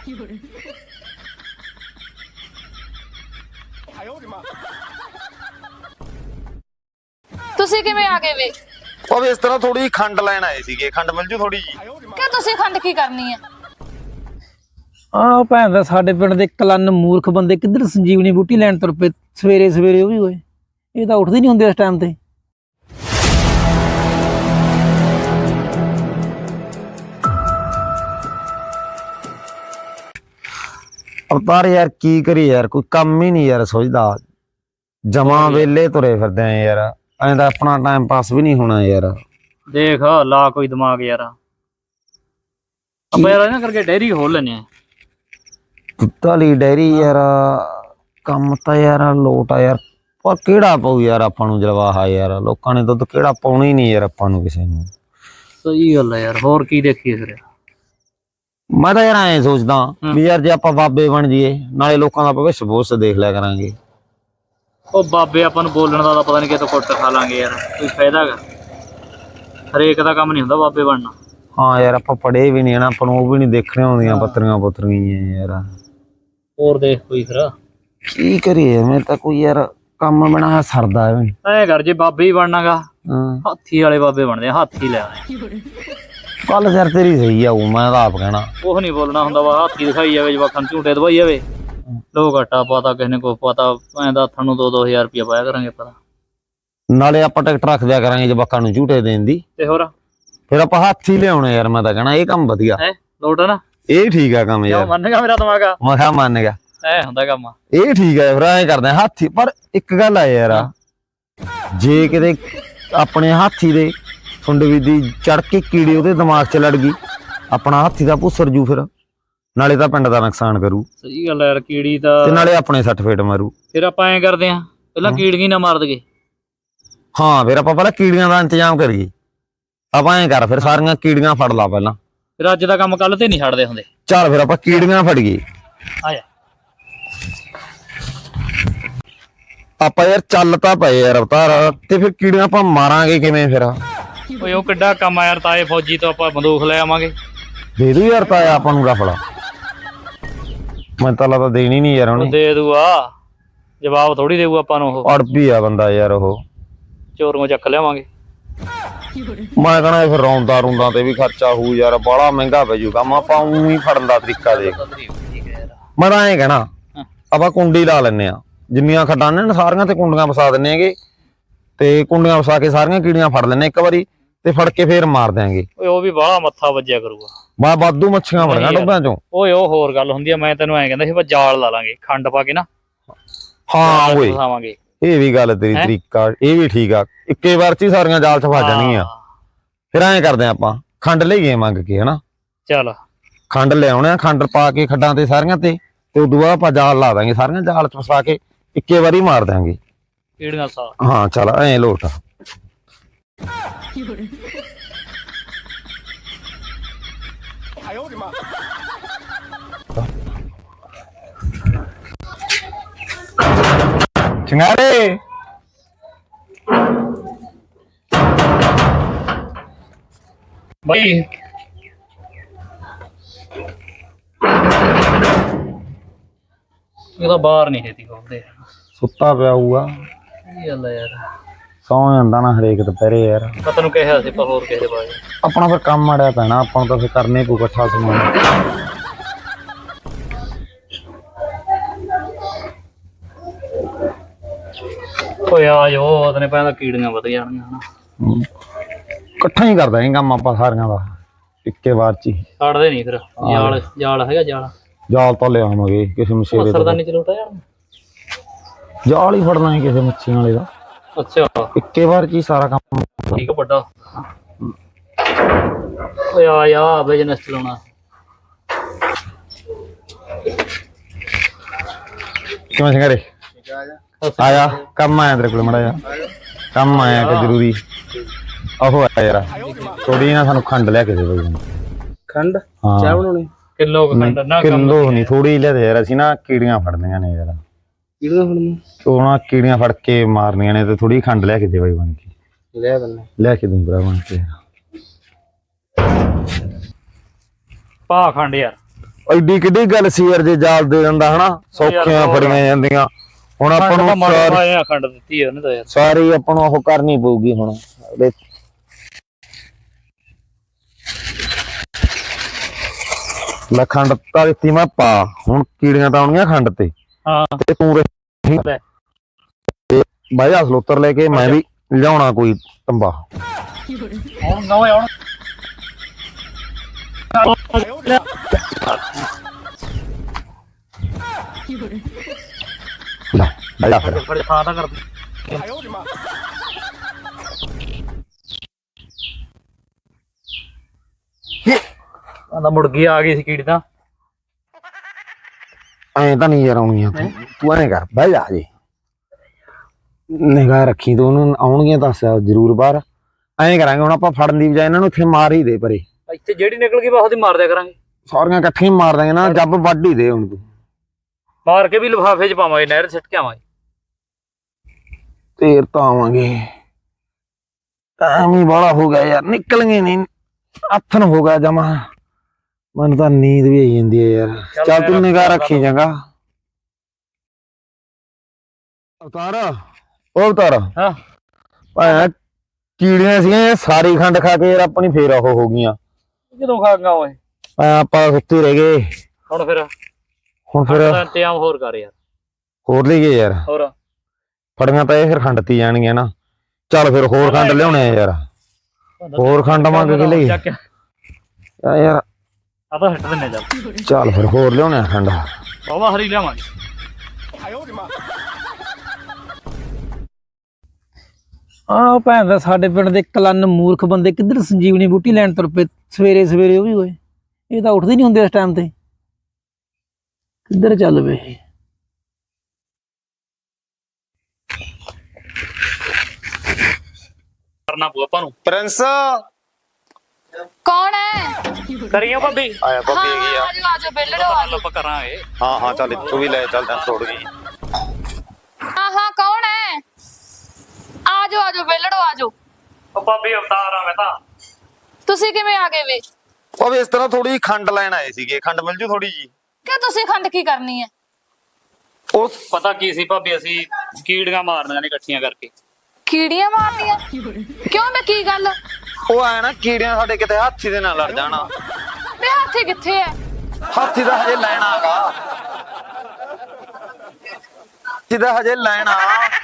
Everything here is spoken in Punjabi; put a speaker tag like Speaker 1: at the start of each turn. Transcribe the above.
Speaker 1: ਤੁਸੀਂ ਕਿਵੇਂ ਆ ਗਏ ਵੇ?
Speaker 2: ਉਹ ਇਸ ਤਰ੍ਹਾਂ ਥੋੜੀ ਖੰਡ ਲੈਣ ਆਏ ਸੀਗੇ। ਖੰਡ ਮਿਲ ਜੂ ਥੋੜੀ ਜੀ?
Speaker 1: ਕਿ ਤੁਸੀਂ ਖੰਡ ਕੀ ਕਰਨੀ ਹੈ?
Speaker 3: ਆਹ ਭੈਣ ਦਾ ਸਾਡੇ ਪਿੰਡ ਦੇ ਕਲੰਨ ਮੂਰਖ ਬੰਦੇ ਕਿੱਧਰ ਸੰਜੀਵਨੀ ਬੂਟੀ ਲੈਣ ਤੁਰ ਪਏ ਸਵੇਰੇ ਸਵੇਰੇ। ਉਹ ਵੀ ਹੋਏ, ਇਹ ਤਾਂ ਉੱਠਦੇ ਨਹੀਂ ਹੁੰਦੇ ਇਸ ਟਾਈਮ ਤੇ।
Speaker 2: ਅਵਤਾਰ ਯਾਰ ਕੀ ਕਰੀ ਯਾਰ, ਕੋਈ ਕੰਮ ਹੀ ਨਹੀਂ ਯਾਰ ਸੁਝਦਾ। ਜਮਾ ਵੇਲੇ ਤੁਰੇ ਫਿਰਦੇ ਆ ਯਾਰ, ਐਂ ਤਾਂ ਆਪਣਾ ਟਾਈਮ ਪਾਸ ਵੀ ਨਹੀਂ ਹੋਣਾ ਯਾਰ।
Speaker 4: ਦੇਖ ਲਾ ਕੋਈ ਦਿਮਾਗ ਯਾਰ, ਆਪਾਂ ਯਾਰ ਇਹਨਾਂ ਕਰਕੇ ਡੈਰੀ ਖੋਲ ਲੈਨੇ ਆ।
Speaker 2: ਦੁੱਧ ਵਾਲੀ ਡੈਰੀ ਯਾਰ, ਕੰਮ ਤਾਂ ਯਾਰ ਲੋਟ ਆ ਯਾਰ, ਪਰ ਕਿਹੜਾ ਪਾਉ ਯਾਰ ਆਪਾਂ ਨੂੰ ਜਲਵਾਹਾ ਯਾਰ। ਲੋਕਾਂ ਨੇ ਦੁੱਧ ਕਿਹੜਾ ਪਾਉਣਾ ਹੀ ਨਹੀਂ ਯਾਰ ਆਪਾਂ ਨੂੰ ਕਿਸੇ ਨੂੰ।
Speaker 4: ਸਹੀ ਗੱਲ ਆ ਯਾਰ, ਹੋਰ ਕੀ ਦੇਖੀਏ ਫਿਰ।
Speaker 2: ਮੈਂ ਤਾਂ ਯਾਰ ਐਂ ਸੋਚਦਾ ਵੀ ਯਾਰ ਜੇ ਆਪਾਂ ਬਾਬੇ ਬਣ ਜਾਈਏ, ਨਾਲੇ ਲੋਕਾਂ ਦਾ ਭਵਿੱਖ ਭੂਸ ਦੇਖ ਲਿਆ ਕਰਾਂਗੇ।
Speaker 4: ਉਹ ਬਾਬੇ ਆਪਾਂ ਨੂੰ ਬੋਲਣ ਦਾ ਤਾਂ ਪਤਾ ਨਹੀਂ ਕਿਤੋਂ ਕੁੱਟ ਖਾ ਲਾਂਗੇ ਯਾਰ, ਕੋਈ ਫਾਇਦਾ ਹੈਗਾ? ਹਰੇਕ ਦਾ ਕੰਮ ਨਹੀਂ ਹੁੰਦਾ ਬਾਬੇ ਬਣਨਾ।
Speaker 2: ਹਾਂ ਯਾਰ ਆਪਾਂ ਪੜ੍ਹੇ ਵੀ ਨਹੀਂ ਨਾ, ਆਪਾਂ ਨੂੰ ਉਹ ਵੀ ਨਹੀਂ ਦੇਖਣੇ ਆਉਂਦੀਆਂ ਪੱਤਰੀਆਂ ਪੁੱਤਰੀਆਂ ਯਾਰ।
Speaker 4: ਹੋਰ ਦੇਖ ਕੋਈ ਫਿਰ
Speaker 2: ਕੀ ਕਰੀਏ, ਮੈਂ ਤਾਂ ਕੋਈ ਯਾਰ ਕੰਮ ਬਣਾ ਸਰਦਾ
Speaker 4: ਐ ਕਰ, ਜੇ ਬਾਬੇ ਹੀ ਬਣਨਾਗਾ
Speaker 2: ਹਾਂ
Speaker 4: ਹਾਥੀ ਵਾਲੇ ਬਾਬੇ ਬਣਦੇ ਆ, ਹਾਥੀ ਲੈ ਆਉਣੇ।
Speaker 2: ਕੱਲ ਸਿਰ ਤੇਰੀ ਸਹੀ ਆਊ, ਮੈਂ ਤਾਂ ਆਪ ਕਹਿਣਾ।
Speaker 4: ਕੁਛ ਨਹੀਂ ਬੋਲਣਾ ਹੁੰਦਾ ਵਾ, ਹਾਥੀ ਦਿਖਾਈ ਜਾਵੇ, ਜਵਾਕਾਂ ਨੂੰ ਝੂਟੇ ਦਵਾਈ ਜਾਵੇ। ਲੋਕ ਘਟਾ ਪਤਾ ਕਿਸੇ ਨੇ ਕੁਛ ਪਤਾ, ਐਂ ਦਾ ਹੱਥਾਂ ਨੂੰ 2-2000 ਰੁਪਇਆ ਪਾਇਆ ਕਰਾਂਗੇ ਪਤਾ।
Speaker 2: ਨਾਲੇ ਆਪਾਂ ਟਿਕਟ ਰੱਖ ਦਿਆ ਕਰਾਂਗੇ ਜਵਾਕਾਂ ਨੂੰ ਝੂਟੇ ਦੇਣ ਦੀ,
Speaker 4: ਤੇ ਹੋਰ
Speaker 2: ਫਿਰ ਆਪਾਂ ਹਾਥੀ ਲਿਆਉਣੇ ਯਾਰ। ਮੈਂ ਤਾਂ ਕਹਿਣਾ ਇਹ ਕੰਮ ਵਧੀਆ
Speaker 4: ਹੈ, ਲੋਟ ਆ ਨਾ,
Speaker 2: ਇਹ ਠੀਕ ਆ ਕੰਮ ਯਾਰ।
Speaker 4: ਮੰਨ ਗਿਆ ਮੇਰਾ ਦਿਮਾਗ ਆ,
Speaker 2: ਮੈਂ ਕਿਹਾ ਮੰਨ ਗਿਆ,
Speaker 4: ਐ ਹੁੰਦਾ ਕੰਮ।
Speaker 2: ਇਹ ਠੀਕ ਆ ਫਿਰ ਐਂ ਕਰਦੇ ਆ ਹਾਥੀ। ਪਰ ਇੱਕ ਗੱਲ ਆ ਯਾਰ, ਜੇ ਕਿਤੇ ਆਪਣੇ ਹਾਥੀ ਦੇ ਸੁੰਡਵੀ ਦੀ ਚੜ ਕੇ ਕੀੜੀ ਉਹਦੇ ਦਿਮਾਗ 'ਚ ਲੜ ਗਈ, ਆਪਣਾ ਹਾਥੀ ਦਾ ਭੁੱਸਰ ਜੂ, ਫਿਰ ਨਾਲੇ ਤਾਂ ਪਿੰਡ ਦਾ ਨੁਕਸਾਨ ਕਰੂ
Speaker 4: ਸਹੀ ਗੱਲ ਯਾਰ, ਕੀੜੀ ਦਾ
Speaker 2: ਤੇ ਨਾਲੇ ਆਪਣੇ ਸੱਟ ਫੇਟ ਮਾਰੂ।
Speaker 4: ਫਿਰ ਆਪਾਂ ਐਂ ਕਰਦੇ ਆਂ, ਪਹਿਲਾਂ ਕੀੜੀਆਂ ਨਾ ਮਾਰ ਦਈਏ।
Speaker 2: ਹਾਂ ਫਿਰ ਆਪਾਂ ਪਹਿਲਾਂ ਕੀੜੀਆਂ ਦਾ ਇੰਤਜ਼ਾਮ ਕਰੀਏ। ਆਪਾਂ ਐਂ ਕਰ, ਫਿਰ ਸਾਰੀਆਂ ਕੀੜੀਆਂ ਫੜ ਲਾ ਪਹਿਲਾਂ,
Speaker 4: ਫਿਰ ਅੱਜ ਦਾ ਕੰਮ ਕੱਲ ਤੇ ਨਹੀਂ ਛੱਡਦੇ ਹੁੰਦੇ।
Speaker 2: ਚੱਲ ਫਿਰ ਆਪਾਂ ਕੀੜੀਆਂ ਫੜੀਏ।
Speaker 4: ਆ ਜਾ
Speaker 2: ਆਪਾਂ ਯਾਰ ਚੱਲ ਤਾਂ ਪਏ ਯਾਰ ਅਵਤਾਰ, ਤੇ ਫਿਰ ਕੀੜੀਆਂ ਆਪਾਂ ਮਾਰਾਂਗੇ ਕਿਵੇਂ ਫਿਰ?
Speaker 4: ਓਏ ਉਹ ਕਿੱਡਾ ਕੰਮ ਆ ਯਾਰ, ਤਾਏ ਫੌਜੀ ਤੋਂ ਆਪਾਂ ਬੰਦੂਕ ਲੈ ਆਵਾਂਗੇ।
Speaker 2: ਦੇ ਦੂ ਯਾਰ ਤਾਇਆ ਆਪਾਂ ਨੂੰ ਰਫੜਾ? ਮੈਂ ਤਾਂ ਲੱਗਦਾ ਦੇਣੀ ਨਹੀਂ ਯਾਰ ਉਹਨੇ।
Speaker 4: ਦੇ ਦੂਆ, ਜਵਾਬ ਥੋੜੀ ਦੇਊ ਆਪਾਂ ਨੂੰ। ਉਹ
Speaker 2: ਅੜਪੀ ਆ ਬੰਦਾ ਯਾਰ, ਉਹ
Speaker 4: ਚੋਰੀਆਂ ਚੱਕ ਲਿਆਵਾਂਗੇ।
Speaker 2: ਮੈਂ ਕਹਣਾ ਫਿਰ ਰੌਂਦਾ ਰੁੰਦਾ ਤੇ ਵੀ ਖਰਚਾ ਹੋਊ ਯਾਰ, ਬਾਹਲਾ ਮਹਿੰਗਾ ਪੈ ਜੂ ਕੰਮ। ਆਪਾਂ ਊਂ ਹੀ ਫੜਨ ਦਾ ਤਰੀਕਾ ਦੇਖ। ਮੈਂ ਤਾਂ ਐਂ ਕਹਿਣਾ ਆਪਾਂ ਕੁੰਡੀ ਲਾ ਲੈਨੇ ਆ, ਜਿੰਨੀਆਂ ਖੱਡਾਂ ਨੇ ਸਾਰੀਆਂ ਤੇ ਕੁੰਡੀਆਂ ਵਸਾ ਦਿੰਨੇ ਹੈਗੇ, ਤੇ ਕੁੰਡੀਆਂ ਵਸਾ ਕੇ ਸਾਰੀਆਂ ਕੀੜੀਆਂ ਫੜ ਲੈਨੇ ਇੱਕ ਵਾਰੀ, ਤੇ ਫੜ ਕੇ ਫੇਰ ਮਾਰ ਦਿਆਂਗੇ।
Speaker 4: ਓਏ ਉਹ ਵੀ ਬਾਹਲਾ ਮੱਥਾ ਵੱਜਿਆ ਕਰੂਗਾ।
Speaker 2: ਮੈਂ ਵਾਧੂ ਮੱਛੀਆਂ ਫੜੀਆਂ ਡੁੱਬਿਆਂ ਚੋਂ।
Speaker 4: ਓਏ ਉਹ ਹੋਰ ਗੱਲ ਹੁੰਦੀ ਆ, ਮੈਂ ਤੈਨੂੰ ਐਂ ਕਹਿੰਦਾ ਸੀ ਆਪਾਂ ਜਾਲ ਲਾ ਲਾਂਗੇ ਖੰਡ ਪਾ ਕੇ ਨਾ।
Speaker 2: ਹਾਂ ਓਏ
Speaker 4: ਫਸਾਵਾਂਗੇ।
Speaker 2: ਇਹ ਵੀ ਗੱਲ ਤੇਰੀ ਤਰੀਕਾ, ਇਹ ਵੀ ਠੀਕ ਆ। ਇੱਕੇ ਵਾਰ ਚ ਹੀ ਸਾਰੀਆਂ ਜਾਲ ਚ ਫਸ ਜਾਣਗੀਆਂ। ਫਿਰ ਐਂ ਕਰਦੇ ਆਪਾਂ ਖੰਡ ਲਈਏ ਮੰਗ ਕੇ, ਹਨਾ? ਚੱਲ ਖੰਡ ਲਿਆਉਣੇ ਆ, ਖੰਡ ਪਾ ਕੇ ਖੱਡਾਂ ਤੇ ਸਾਰੀਆਂ ਤੇ ਉਦੋਂ ਬਾਅਦ ਆਪਾਂ ਜਾਲ ਲਾ ਦਾਂਗੇ, ਸਾਰੀਆਂ ਜਾਲ ਚ ਫਸਾ ਕੇ ਇੱਕੇ ਵਾਰੀ ਮਾਰ ਦਾਂਗੇ
Speaker 4: ਕੀੜੀਆਂ ਸਾ।
Speaker 2: ਹਾਂ ਚੱਲ ਐਂ ਲੋਟ। ਚੰਗਾਰੇ
Speaker 4: ਬਈ ਇਹ ਤਾਂ ਬਾਹਰ ਨਹੀਂ ਹੈਤੀ ਖੋਲਦੇ।
Speaker 2: ਸੁੱਤਾ ਪਿਆ ਹੋਊਗਾ,
Speaker 4: ਕੀ ਗੱਲ ਆ ਯਾਰ,
Speaker 2: ਸੌਂ ਜਾਂਦਾ ਨਾ ਹਰੇਕ ਦੁਪਹਿਰੇ ਯਾਰ।
Speaker 4: ਮੈਂ ਤੈਨੂੰ ਕਿਹਾ ਸੀ ਆਪਾਂ ਹੋਰ ਕਿਸੇ ਦੇ ਬਾਰੇ।
Speaker 2: ਆਪਣਾ ਫਿਰ ਕੰਮ ਅੜਿਆ ਪੈਣਾ, ਆਪਾਂ ਨੂੰ ਤਾਂ ਫਿਰ ਕਰਨੇ ਪਊ ਇਕੱਠਾ ਸਮਾਨ।
Speaker 4: ਓਏ ਆ ਜੋ ਉਹਨੇ ਪੈਂਦਾ ਕੀੜੀਆਂ ਵਧ ਜਾਣਗੀਆਂ ਹਨਾ।
Speaker 2: ਇਕੱਠਾ ਹੀ ਕਰਦਾ ਇਹ ਕੰਮ ਆਪਾਂ ਸਾਰੀਆਂ ਦਾ ਇੱਕੇ ਵਾਰ ਚ ਹੀ।
Speaker 4: ਛੱਡਦੇ ਨਹੀਂ ਫਿਰ। ਜਾਲ ਹੈਗਾ,
Speaker 2: ਜਾਲ ਤਾਂ ਲਿਆਵਾਂਗੇ ਕਿਸੇ ਮਛੇਰੇ ਦਾ।
Speaker 4: ਸਰਦਾਨੀ ਚਲੋਟਾ ਜਾਣ
Speaker 2: ਜਾਲ ਹੀ ਫੜਨਾ ਹੈ ਕਿਸੇ ਮੱਛੀਆਂ ਵਾਲੇ ਦਾ।
Speaker 4: ਅੱਛਾ
Speaker 2: ਇੱਕੇ ਵਾਰ ਚ ਹੀ ਸਾਰਾ ਕੰਮ।
Speaker 4: ਠੀਕ ਆ ਵੱਡਾ। ਓਏ ਆ ਬਿਜ਼ਨਸ ਚਲਾਉਣਾ।
Speaker 2: ਕਿਵੇਂ ਸੰਗਾਰੇ? ਆਇਆ ਕੰਮ ਆਇਆ ਤੇਰੇ ਕੋਲ, ਮੜਾ ਜਾ ਕੰਮ ਆਇਆ ਕਿ ਜ਼ਰੂਰੀ। ਆਹੋ ਆ ਯਾਰ, ਥੋੜੀ ਨਾ ਸਾਨੂੰ ਖੰਡ ਲਿਆ ਕੇ ਦੇ ਬਈ।
Speaker 4: ਖੰਡ
Speaker 2: ਹਾਂ
Speaker 4: ਚਾਹ ਬਣਾਉਣੀ? ਕਿਲੋ ਖੰਡ ਨਾ,
Speaker 2: ਕਿਲੋ ਨਹੀਂ, ਥੋੜੀ ਲਿਆ ਦੇ ਯਾਰ। ਅਸੀਂ ਨਾ ਕੀੜੀਆਂ ਫੜਨੀਆਂ ਨੇ ਯਾਰ।
Speaker 4: ਕੀੜੀਆਂ ਫੜਨੀਆਂ?
Speaker 2: ਉਹ ਨਾ ਕੀੜੀਆਂ ਫੜ ਕੇ ਮਾਰਨੀਆਂ ਨੇ, ਤੇ ਥੋੜੀ ਖੰਡ ਲਿਆ ਕੇ ਦੇ ਬਈ ਬਣ ਕੇ। ਲਿਆ ਕੇ ਦੂੰ ਭਰਾ ਬਣ ਕੇ।
Speaker 4: ਪਾ ਖੰਡ ਯਾਰ।
Speaker 2: ਐਡੀ ਕਿੱਡੀ ਗੱਲ ਸੀ ਯਾਰ ਜੇ ਜਾਲ ਦੇ ਦਿੰਦਾ ਹਨਾ ਸੌਖੀਆਂ ਫੜੀਆਂ ਜਾਂਦੀਆਂ। ਹੁਣ ਆਪਾਂ ਨੂੰ
Speaker 4: ਮਾਰਿਆ ਖੰਡ ਦਿੱਤੀ ਉਹਨੇ ਤਾਂ ਯਾਰ
Speaker 2: ਸਾਰੀ ਆਪਾਂ ਨੂੰ ਉਹ ਕਰਨੀ ਪਊਗੀ ਹੁਣ। ਲੈ ਖੰਡ ਤਾਂ ਦਿੱਤੀ ਮੈਂ ਪਾ, ਹੁਣ ਕੀੜੀਆਂ ਤਾਂ ਆਉਣੀਆਂ ਖੰਡ ਤੇ।
Speaker 4: ਹਾਂ
Speaker 2: ਤੇ ਤੂੰ
Speaker 4: ਲੈ।
Speaker 2: ਤੇ ਬਾਈ ਅਸਲੋਤਰ ਲੈ ਕੇ ਮੈਂ ਵੀ ਲਿਆਉਣਾ ਕੋਈ ਤੰਬਾ।
Speaker 4: ਹੁਣ ਨਵੇਂ ਹੁਣ
Speaker 2: ਲੈ ਬਾਈ ਫਿਰ
Speaker 4: ਫੜ ਥਾਂ ਤਾਂ ਕਰ ਆਂਦਾ ਮੁਰਗੀ ਆ ਗਈ ਸੀ ਕੀੜੀ ਤਾਂ
Speaker 2: ਐਂ ਤਾਂ ਨਹੀਂ ਯਾਰ ਆਉਣੀਆਂ। ਤੂੰ ਐਂ ਕਰ ਬਹਿ ਜਾ ਜੀ, ਨਿਗਾਹ ਰੱਖੀ ਤੂੰ, ਉਹਨੂੰ ਆਉਣਗੀਆਂ ਦੱਸ ਜ਼ਰੂਰ ਬਾਹਰ। ਐਂ ਕਰਾਂਗੇ ਹੁਣ ਆਪਾਂ ਫੜਨ ਦੀ ਬਜਾਏ ਇਹਨਾਂ ਨੂੰ ਇੱਥੇ ਮਾਰ ਹੀ ਦੇ ਪਰੇ।
Speaker 4: ਇੱਥੇ ਜਿਹੜੀ ਨਿਕਲ ਗਈ ਬਸ ਉਹਦੀ ਮਾਰ ਦਿਆ ਕਰਾਂਗੇ।
Speaker 2: ਸਾਰੀਆਂ ਇਕੱਠੀਆਂ ਮਾਰ ਦਾਂਗੇ ਨਾ, ਜੱਬ ਵੱਢ ਹੀ ਦੇ ਹੁਣ ਤੂੰ।
Speaker 4: ਮਾਰ ਕੇ ਵੀ ਲਿਫਾਫੇ 'ਚ ਪਾਵਾਂਗੇ, ਨਹਿਰ ਸਿੱਟ ਕੇ ਆਵਾਂਗੇ।
Speaker 2: ਤੇਰ ਤਾਂ ਆਵਾਂਗੇ, ਟਾਈਮ ਹੀ ਬਾਹਲਾ ਹੋ ਗਿਆ ਯਾਰ, ਨਿਕਲਣਗੇ ਨਹੀਂ। ਆਥਣ ਹੋ ਗਿਆ ਜਮਾ, ਮੈਨੂੰ ਤਾਂ ਨੀਂਦ ਵੀ ਆਈ ਜਾਂਦੀ ਹੈ ਯਾਰ। ਚੱਲ ਤੂੰ ਨਿਗਾਹ ਰੱਖੀ ਚੰਗਾ। ਅਵਤਾਰ ਉਹ ਅਵਤਾਰ
Speaker 4: ਹਾਂ
Speaker 2: ਭਾਇਆ ਕੀੜੀਆਂ ਸੀਗੀਆਂ ਇਹ ਸਾਰੀ ਖੰਡ ਖਾ ਕੇ ਯਾਰ ਆਪਣੀ ਫੇਰ ਉਹ ਹੋ ਗਈਆਂ।
Speaker 4: ਕਿਦੋਂ ਖਾ ਗਾ ਓਏ?
Speaker 2: ਆਪਾਂ ਸੁੱਤੇ ਰਹਿ ਗਏ।
Speaker 4: ਹੁਣ ਫਿਰ ਇੰਤਜ਼ਾਮ ਹੋਰ ਕਰ ਯਾਰ।
Speaker 2: ਹੋਰ ਲਈ ਗਏ ਯਾਰ,
Speaker 4: ਹੋਰ
Speaker 2: ਫੜੀਆਂ ਤਾਂ ਇਹ ਫਿਰ ਖੰਡ ਤੀ ਜਾਣਗੀਆਂ ਨਾ। ਚੱਲ ਫਿਰ ਹੋਰ ਖੰਡ ਲਿਆਉਣੇ ਆ ਯਾਰ, ਹੋਰ ਖੰਡ ਮੰਗ ਕੇ ਲਈ ਯਾਰ।
Speaker 4: ਆ ਤਾਂ ਹੱਟ ਦਿੰਨੇ ਚੱਲ।
Speaker 2: ਚੱਲ ਫਿਰ ਹੋਰ ਲਿਆਉਣੇ ਆ ਖੰਡ।
Speaker 4: ਬਾਬਾ ਹਰੀ ਲਿਆਵਾਂਗੇ।
Speaker 3: ਆਹ ਭੈਣ ਦਾ ਸਾਡੇ ਪਿੰਡ ਦੇ ਕਲੰਨ ਮੂਰਖ ਬੰਦੇ ਕਿੱਧਰ ਸੰਜੀਵਨੀ ਬੂਟੀ ਲੈਣ ਤੁਰ ਪਏ ਸਵੇਰੇ ਸਵੇਰੇ। ਉਹ ਵੀ ਹੋਏ, ਇਹ ਤਾਂ ਉੱਠਦੇ ਨਹੀਂ ਹੁੰਦੇ ਇਸ ਟਾਈਮ ਤੇ। ਕਿੱਧਰ ਚੱਲ ਪਏ?
Speaker 4: ਕਰਨਾ ਪਊ ਆਪਾਂ ਨੂੰ।
Speaker 2: ਪ੍ਰਿੰਸ
Speaker 1: ਕੌਣ ਹੈ?
Speaker 4: ਕਰੀਓ ਭਾਬੀ।
Speaker 2: ਆਇਆ
Speaker 1: ਹਾਂ ਆਜੋ ਆਜੋ ਬੇਲੜੋ ਆਜੋ।
Speaker 4: ਆਪਾਂ ਕਰਾਂਗੇ।
Speaker 2: ਹਾਂ ਚੱਲ ਤੂੰ ਵੀ ਲੈ ਚੱਲ, ਛੋੜ ਗਈ।
Speaker 1: ਹਾਂ ਕੌਣ ਹੈ? ਆਜੋ ਆਜੋ ਬੇਲੜੋ ਆਜੋ।
Speaker 4: ਉਹ ਭਾਬੀ ਅਵਤਾਰ ਆ ਮੈਂ ਤਾਂ।
Speaker 1: ਤੁਸੀਂ ਕਿਵੇਂ ਆ ਗਏ ਵੇ?
Speaker 2: ਉਹ ਇਸ ਤਰ੍ਹਾਂ ਥੋੜੀ ਖੰਡ ਲੈਣ ਆਏ ਸੀਗੇ, ਖੰਡ ਮਿਲ ਜੂ ਥੋੜੀ ਜੀ?
Speaker 1: ਕਿ ਤੁਸੀਂ ਖੰਡ ਕੀ ਕਰਨੀ ਹੈ?
Speaker 2: ਉਸ
Speaker 4: ਪਤਾ ਕੀ ਸੀ ਭਾਬੀ, ਅਸੀਂ ਕੀੜੀਆਂ ਮਾਰਨੀਆਂ ਨੇ ਇਕੱਠੀਆਂ ਕਰਕੇ।
Speaker 1: ਕੀੜੀਆਂ ਮਾਰਨੀਆਂ? ਕਿਉਂ ਮੈਂ ਕੀ ਗੱਲ?
Speaker 2: ਉਹ ਆਇਆ ਨਾ ਕੀੜੀਆਂ ਸਾਡੇ ਕਿਤੇ ਹਾਥੀ ਦੇ ਨਾਲ ਲੜ ਜਾਣਾ।
Speaker 1: ਵੇ ਹਾਥੀ ਕਿੱਥੇ ਹੈ?
Speaker 2: ਹਾਥੀ ਦਾ ਹਜੇ ਲੈਣਾ ਹੈਗਾ, ਹਾਥੀ ਦਾ ਹਜੇ ਲੈਣਾ।